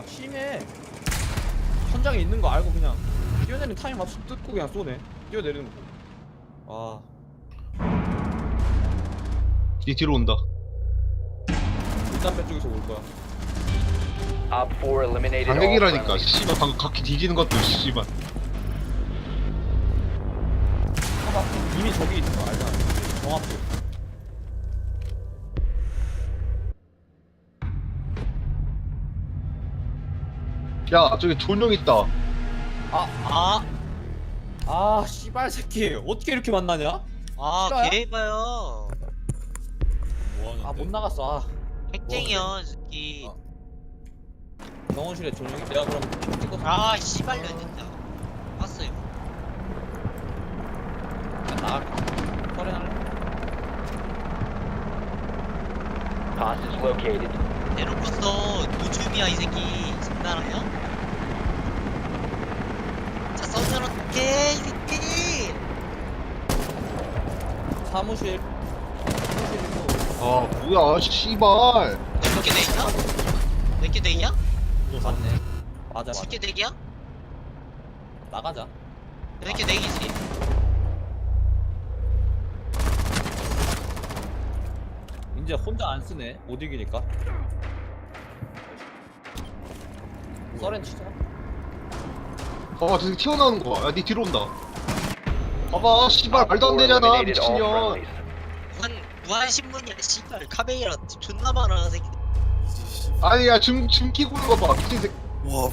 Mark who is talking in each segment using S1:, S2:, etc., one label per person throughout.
S1: 심해. 천장에 있는 거 알고 그냥 뛰어내리는 타임 맞춰 뜯고 그냥 쏘네. 뛰어내리는 거.
S2: 뒤로 온다.
S1: 일단 왼쪽에서 올 거야.
S3: Op 4 eliminated all
S2: 반격이라니까.
S3: friendlies.
S2: 씨발 방금 각기 뒤지는 것도 씨발.
S1: 봐봐. 이미 저기 있는 거 알잖아. 정확히.
S2: 야 저기 존용 있다.
S1: 씨발 새끼. 어떻게 이렇게 만나냐? 싫어요?
S4: 개봐요.
S1: 못 나갔어.
S4: 핵쟁이야, 이 새끼.
S1: 병원실에 전용이 내가 그럼 찍어서.
S4: 씨발려, 진짜. 봤어요.
S1: 나갈게. 서렌할래?
S3: Hostage located.
S4: 대놓고서 노줌이야, 이 새끼. 장난하냐? 자, 쏘면 어떡해, 이 새끼.
S1: 사무실.
S2: 아 뭐야 씨발.
S4: 몇개 되냐? 몇 개 되냐?
S1: 맞네. 맞아.
S4: 10개 되기야?
S1: 나가자.
S4: 몇 개 되기지?
S1: 이제 혼자 안 쓰네. 못 이기니까. 서렌 치자.
S2: 봐봐 저기 튀어나오는 거. 야니 뒤로 온다. 봐봐 씨발 말도 안 되잖아
S3: Eliminated all
S2: 미친년.
S3: friendlies.
S4: 무한신문이야, 씨발. 카베이라 존나 많아, 새끼.
S2: 아니야 줌 끼고 있는 거 봐. 미친 새끼.
S5: 와.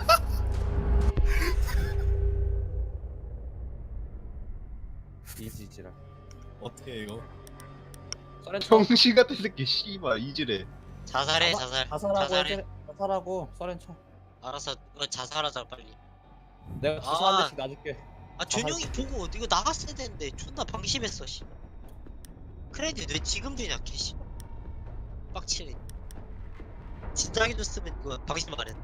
S1: 이지지라.
S5: 어떻게 이거?
S1: 서렌 쳐.
S2: 정신 같은 새끼 씨발 이지래.
S4: 자살해, 자살.
S1: 자살하고
S4: 자살해.
S1: 해제- 자살하고 서렌 쳐.
S4: 알았어, 너 자살하자, 빨리.
S1: 내가 주사 한 대씩 놔줄게.
S4: 준용이 보고 이거 나갔어야 되는데 존나 방심했어, 씨. 크레딧 왜 지금 주냐, 개씨. 빡치네. 진작에 줬으면 이거 방심 안 했.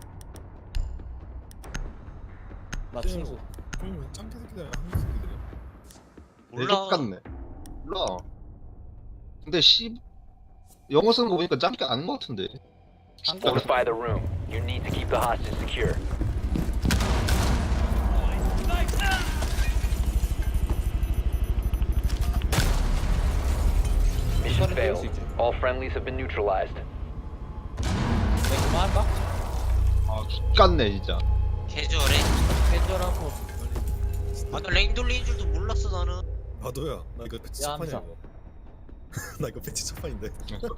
S1: 나 충수.
S5: 왜 짱개 새끼들 한국 새끼들이야?
S2: 내족 같네. 몰라. 근데 씨 영어 쓰는 거 보니까 짱게 아닌 거 같은데.
S3: Fortify the room. You need to keep the hostage secure. Mission failed. All friendlies have been neutralized.
S1: 내가 그만할까?
S2: 아 X같네 진짜.
S4: 개조래.
S1: 캐주얼하고.
S4: 아까 랭 돌리는 줄도 몰랐어, 나는.
S5: 너야. 나 이거 배치
S1: 야,
S5: 첫판이야
S1: 함사.
S5: 이거. 나 이거 배치 첫판인데.